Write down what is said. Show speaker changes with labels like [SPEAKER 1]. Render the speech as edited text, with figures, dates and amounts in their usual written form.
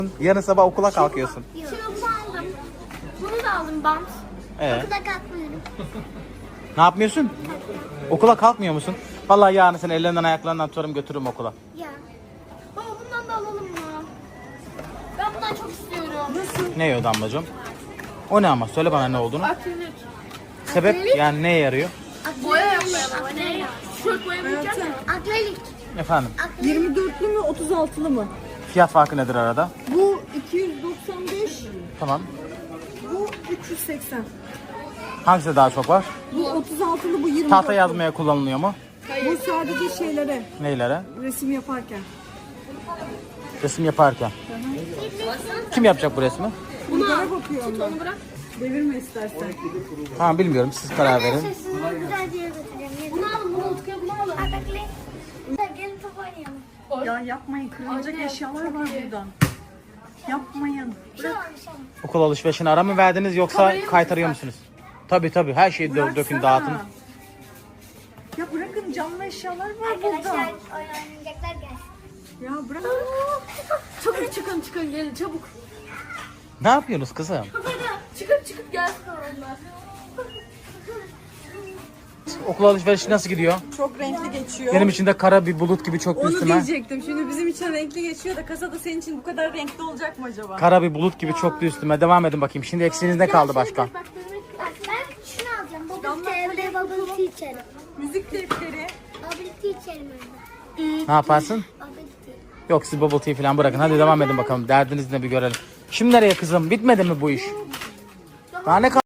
[SPEAKER 1] Yarın sabah okula kalkıyorsun.
[SPEAKER 2] Şimdi bunu aldım. Bunu da aldım bant. Okulda kalkmıyorum.
[SPEAKER 1] Ne yapmıyorsun? Okula kalkmıyor musun? Vallahi yarın seni ellerinden ayaklarından tutarım götürürüm okula.
[SPEAKER 2] Ya. Baba bundan da alalım mı? Ben bundan çok istiyorum. Nasıl?
[SPEAKER 1] Ne yiyor Damlacığım? O ne ama? Söyle bana ne olduğunu.
[SPEAKER 2] Akrilik.
[SPEAKER 1] Sebep yani neye yarıyor?
[SPEAKER 2] Boya yapmaya baba. Ne? Tişört boyamayacak mı? Akrilik.
[SPEAKER 1] Efendim?
[SPEAKER 3] 24'lü mü 36'lı mı?
[SPEAKER 1] Fiyat farkı nedir arada?
[SPEAKER 3] Bu 295,
[SPEAKER 1] Tamam.
[SPEAKER 3] bu 380.
[SPEAKER 1] Hangisi daha çok var?
[SPEAKER 3] Bu 36'lı, bu 24'lü.
[SPEAKER 1] Tahta yazmaya kullanılıyor mu?
[SPEAKER 3] Bu sadece şeylere,
[SPEAKER 1] Neylere?
[SPEAKER 3] resim yaparken.
[SPEAKER 1] Resim yaparken. Kim yapacak bu resmi?
[SPEAKER 3] Bunlara bakıyorum ben. Devirme istersen.
[SPEAKER 1] Tamam bilmiyorum siz karar verin.
[SPEAKER 2] Sizi güzel bir yere götüreceğim. Bunu alın, bunu Utku'ya bunu alın. Akrilik. Gelin top oynayalım.
[SPEAKER 3] Ya yapmayın, kırılacak eşyalar var buradan. Yapmayın.
[SPEAKER 2] Şu almış ama.
[SPEAKER 1] Okul alışverişini ara mı verdiniz yoksa kaytarıyor musunuz? Tabii her şeyi dökün
[SPEAKER 3] Bıraksana.
[SPEAKER 1] dağıtın.
[SPEAKER 3] Ya bırakın, canlı eşyalar var burada.
[SPEAKER 2] Arkadaşlar oynayacaklar gelsin.
[SPEAKER 3] Ya bırak.
[SPEAKER 2] Çabuk çıkın gelin çabuk.
[SPEAKER 1] Ne yapıyorsunuz kızım?
[SPEAKER 2] Çıkıp gelsin onlar.
[SPEAKER 1] Okul alışverişi nasıl gidiyor?
[SPEAKER 3] Çok renkli geçiyor.
[SPEAKER 1] Benim için de kara bir bulut gibi çöktü
[SPEAKER 3] Onu
[SPEAKER 1] üstüme.
[SPEAKER 3] diyecektim. Şimdi bizim için renkli geçiyor da kasada senin için bu kadar renkli olacak mı acaba?
[SPEAKER 1] Kara bir bulut gibi çöktü üstüme. Devam edin bakayım. Şimdi eksiğiniz ne kaldı başka?
[SPEAKER 2] Bak ben şunu alacağım. Bubble tea içerim.
[SPEAKER 3] Müzik defteri.
[SPEAKER 2] Bubble tea içerim öyle.
[SPEAKER 1] Ne yaparsın?
[SPEAKER 2] Bubble tea.
[SPEAKER 1] Yok siz bubble tea falan bırakın. Hadi devam edin bakalım. Derdiniz ne bir görelim. Şimdi nereye kızım? Bitmedi mi bu iş? Daha ne kaldı?